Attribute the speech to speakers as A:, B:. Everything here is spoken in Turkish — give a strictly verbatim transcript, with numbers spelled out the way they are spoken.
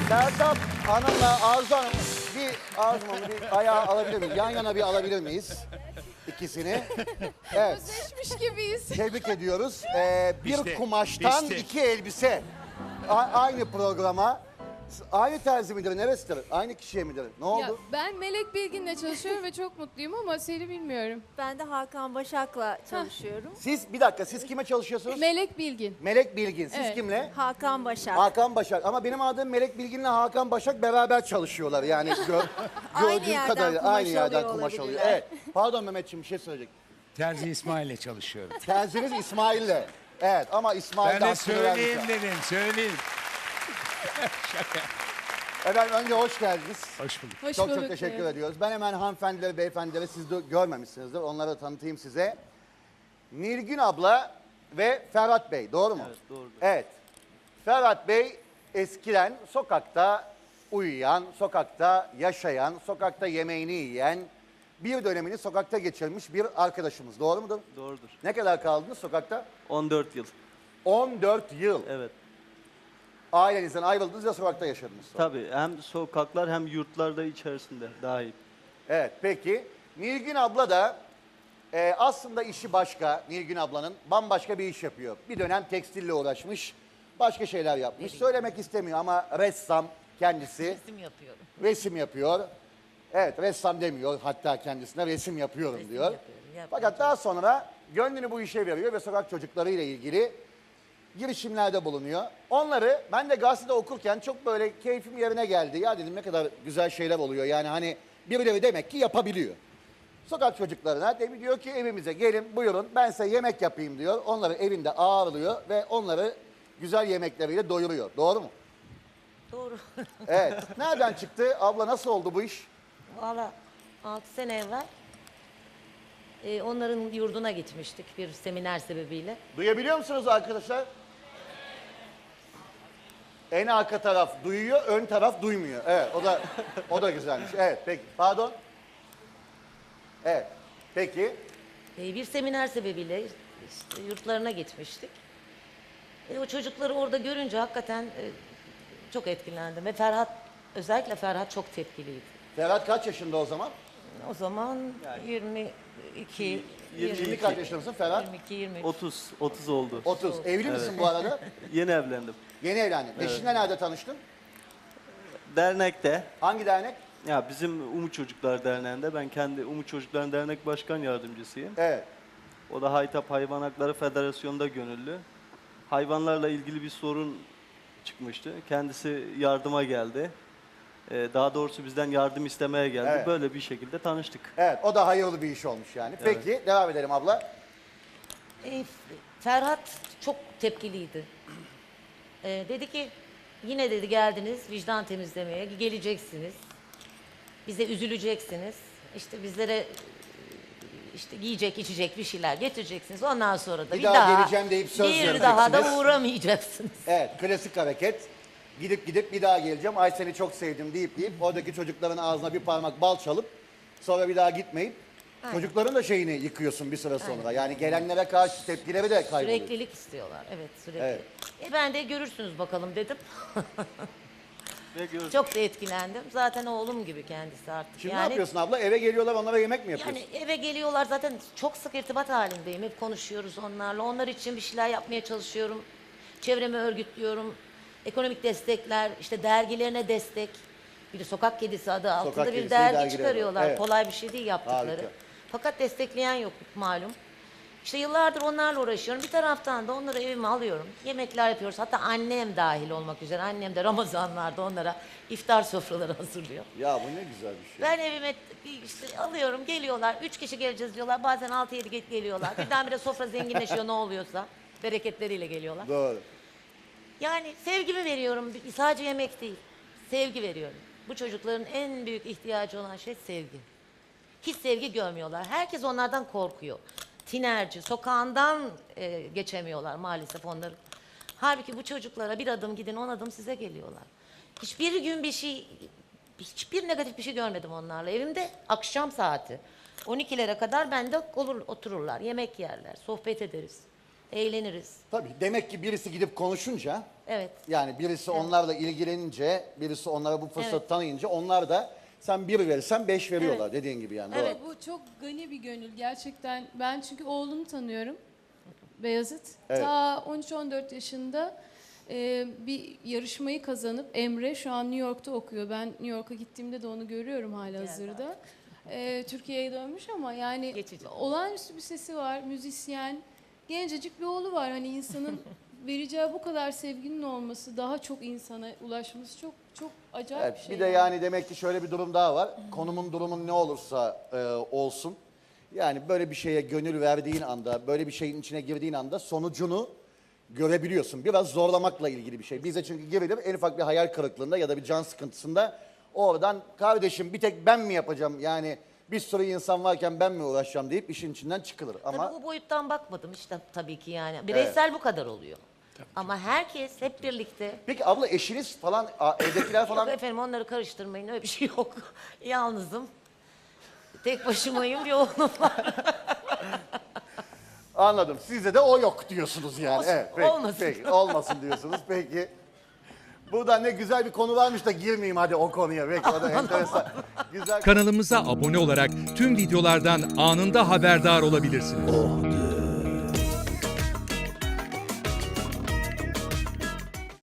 A: Sertab Hanım'la Arzu Hanım bir Arzu Hanım bir ayağı alabilir miyiz? Yan yana bir alabilir miyiz? İkisini. Evet.
B: Özleşmiş gibiyiz.
A: Tebrik ediyoruz. Ee, bir
C: Biçti,
A: kumaştan
C: biçti.
A: iki elbise. A- aynı programa. Aynı terzi midir? Neresidir? Aynı kişiye midir? Ne oldu?
B: Ya, ben Melek Bilgin'le çalışıyorum ve çok mutluyum ama seni bilmiyorum.
D: Ben de Hakan Başak'la çalışıyorum.
A: Siz bir dakika siz kime çalışıyorsunuz?
B: Melek Bilgin.
A: Melek Bilgin. Siz
B: Evet.
A: kimle?
D: Hakan Başak.
A: Hakan Başak. Ama benim adım Melek Bilgin'le Hakan Başak beraber çalışıyorlar. Yani gör,
D: Aynı
A: gördüğüm
D: yerden
A: kadarıyla
D: kumaş
A: aynı yerden
D: alıyor
A: kumaş alıyor.
D: olabilirler.
A: Evet. Pardon Mehmetciğim bir şey söyleyecek.
C: Terzi İsmail'le çalışıyorum.
A: Terziniz İsmail'le. Evet ama İsmail
C: Ben
A: de
C: de
A: hakkını
C: söyleyeyim
A: vermiş.
C: dedim, söyleyeyim.
A: Efendim önce hoş geldiniz.
C: Hoş bulduk.
B: Hoş
A: Çok
B: bulduk.
A: çok teşekkür
B: Evet.
A: ediyoruz. Ben hemen hanımefendileri, beyefendileri siz de görmemişsinizdir. Onları tanıtayım size. Nilgün abla ve Ferhat Bey. Doğru mu?
E: Evet, doğrudur.
A: Evet. Ferhat Bey eskiden sokakta uyuyan, sokakta yaşayan, sokakta yemeğini yiyen, bir dönemini sokakta geçirmiş bir arkadaşımız. Doğru mudur?
E: Doğrudur.
A: Ne kadar kaldınız sokakta?
E: on dört yıl.
A: on dört yıl.
E: Evet.
A: Ailenizden ayrıldınız ve sokakta yaşadınız. sonra.
E: Tabii hem sokaklar hem yurtlar da içerisinde dahil.
A: Evet peki. Nilgün abla da e, aslında işi başka. Nilgün ablanın bambaşka bir iş yapıyor. Bir dönem tekstille uğraşmış. Başka şeyler yapmış. Söylemek istemiyor ama ressam kendisi.
F: Resim yapıyorum.
A: Resim yapıyor. Evet ressam demiyor hatta kendisine resim yapıyorum
F: Resim
A: diyor.
F: yapıyorum, yapmaya
A: Fakat daha sonra gönlünü bu işe veriyor ve sokak çocuklarıyla ilgili girişimlerde bulunuyor. Onları ben de gazetede okurken çok böyle keyfim yerine geldi. Ya dedim ne kadar güzel şeyler oluyor. Yani hani birileri demek ki yapabiliyor. Sokak çocuklarına de diyor ki evimize gelin buyurun ben size yemek yapayım diyor. Onları evinde ağırlıyor ve onları güzel yemekleriyle doyuruyor. Doğru mu?
F: Doğru.
A: Evet. Nereden çıktı? Abla nasıl oldu bu iş?
F: Valla altı sene evvel e, onların yurduna gitmiştik bir seminer sebebiyle.
A: Duyabiliyor musunuz arkadaşlar? En arka taraf duyuyor, ön taraf duymuyor. Evet, o da o da güzelmiş. Evet, peki. Pardon. Evet. Peki.
F: E, bir seminer sebebiyle işte yurtlarına gitmiştik. E, o çocukları orada görünce hakikaten e, çok etkilendim. Ve Ferhat, özellikle Ferhat çok tepkiliydi.
A: Ferhat kaç yaşında o zaman?
F: O zaman yirmi iki,
A: Şimdi kaç yaşında mısın Ferhat?
F: yirmi iki, yirmi üç.
E: otuz, otuz oldu.
A: otuz. Evli misin bu arada?
E: Yeni evlendim.
A: Yeni evlendin. Eşinle nerede tanıştın?
E: Dernekte,
A: Hangi dernek?
E: ya bizim Umut Çocuklar Derneği'nde ben kendi Umut Çocuklar Dernek Başkan Yardımcısıyım.
A: Evet.
E: O da Haytap Hayvan Hakları Federasyonu'nda gönüllü. Hayvanlarla ilgili bir sorun çıkmıştı. Kendisi yardıma geldi. Ee, daha doğrusu bizden yardım istemeye geldi.
A: Evet.
E: Böyle bir şekilde tanıştık.
A: Evet, o da hayırlı bir iş olmuş yani. Peki, devam edelim abla.
F: E, Ferhat çok tepkiliydi. E, dedi ki yine dedi geldiniz vicdan temizlemeye geleceksiniz. Bize üzüleceksiniz. İşte bizlere e, işte giyecek içecek bir şeyler getireceksiniz. Ondan sonra da
A: Bir
F: bir,
A: daha
F: daha,
A: geleceğim deyip söz
F: bir daha da
A: vereceksiniz.
F: uğramayacaksınız.
A: Evet, klasik hareket. Gidip gidip bir daha geleceğim. Ay seni çok sevdim deyip deyip oradaki çocukların ağzına bir parmak bal çalıp sonra bir daha gitmeyip çocukların da şeyini yıkıyorsun bir süre sonra. Yani gelenlere karşı tepkileri de kayboluyor.
F: Süreklilik istiyorlar. Evet sürekli.
A: Evet.
F: E ben de görürsünüz bakalım dedim.
E: Ve gördük.
F: Çok da etkilendim. Zaten oğlum gibi kendisi artık.
A: Şimdi
F: yani,
A: ne yapıyorsun abla? Eve geliyorlar onlara yemek mi yapıyorsun?
F: Yani eve geliyorlar zaten çok sık irtibat halindeyim. Hep konuşuyoruz onlarla. Onlar için bir şeyler yapmaya çalışıyorum. Çevremi örgütlüyorum. Ekonomik destekler, işte dergilerine destek. Bir de Sokak Kedisi adı altında
A: Kedisi
F: bir dergi
A: dergileri var.
F: çıkarıyorlar.
A: Evet.
F: Kolay bir şey değil yaptıkları.
A: Harika.
F: Fakat destekleyen yok malum. İşte yıllardır onlarla uğraşıyorum. Bir taraftan da onları evime alıyorum. Yemekler yapıyoruz. Hatta annem dahil olmak üzere. Annem de Ramazanlarda onlara iftar sofraları hazırlıyor.
A: Ya bu ne güzel bir şey.
F: Ben evime işte alıyorum, geliyorlar. Üç kişi geleceğiz diyorlar. Bazen altı yedi ge- geliyorlar. Birdenbire sofra zenginleşiyor ne oluyorsa. Bereketleriyle geliyorlar.
A: Doğru.
F: Yani sevgimi veriyorum. Sadece yemek değil. Sevgi veriyorum. Bu çocukların en büyük ihtiyacı olan şey sevgi. Hiç sevgi görmüyorlar. Herkes onlardan korkuyor. Tinerci, sokağından e, geçemiyorlar maalesef onları. Halbuki bu çocuklara bir adım gidin, on adım size geliyorlar. Hiçbir gün bir şey, hiçbir negatif bir şey görmedim onlarla. Evimde akşam saati on ikilere kadar bende olur, otururlar, yemek yerler, sohbet ederiz. eğleniriz.
A: Tabii demek ki birisi gidip konuşunca,
F: Evet.
A: yani birisi onlarla ilgilenince, birisi onlara bu fırsatı
F: Evet.
A: tanıyınca onlar da sen bir verirsen beş veriyorlar dediğin gibi yani.
F: Evet.
A: Doğru.
B: Bu çok gani bir gönül gerçekten. Ben çünkü oğlumu tanıyorum. Beyazıt.
A: Evet.
B: Ta on üç on dört yaşında e, bir yarışmayı kazanıp Emre şu an New York'ta okuyor. Ben New York'a gittiğimde de onu görüyorum halihazırda. E, Türkiye'ye dönmüş ama yani
F: Geçici.
B: olağanüstü bir sesi var, müzisyen. Gencecik bir oğlu var. Hani insanın vereceği bu kadar sevginin olması, daha çok insana ulaşması çok çok acayip
A: Evet,
B: bir şey.
A: bir de yani demek ki şöyle bir durum daha var. Konumun durumun ne olursa e, olsun. Yani böyle bir şeye gönül verdiğin anda, böyle bir şeyin içine girdiğin anda sonucunu görebiliyorsun. Biraz zorlamakla ilgili bir şey. Bize çünkü girilir en ufak bir hayal kırıklığında ya da bir can sıkıntısında oradan kardeşim bir tek ben mi yapacağım yani bir sürü insan varken ben mi uğraşacağım deyip işin içinden çıkılır. Ama
F: Tabii bu boyuttan bakmadım işte tabii ki yani. Bireysel bu kadar oluyor. Ama herkes hep birlikte.
A: peki abla eşiniz falan, a- evdekiler falan
F: Yok efendim onları karıştırmayın öyle bir şey yok. Yalnızım. Tek başımayım bir oğlum var.
A: anladım. Sizde de o yok diyorsunuz yani.
F: Olsun,
A: evet, peki,
F: olmasın.
A: Peki, olmasın diyorsunuz. Peki. Burada ne güzel bir konu varmış da girmeyeyim hadi o konuya. Peki o da enteresan. Güzel.
G: Kanalımıza abone olarak tüm videolardan anında haberdar olabilirsiniz.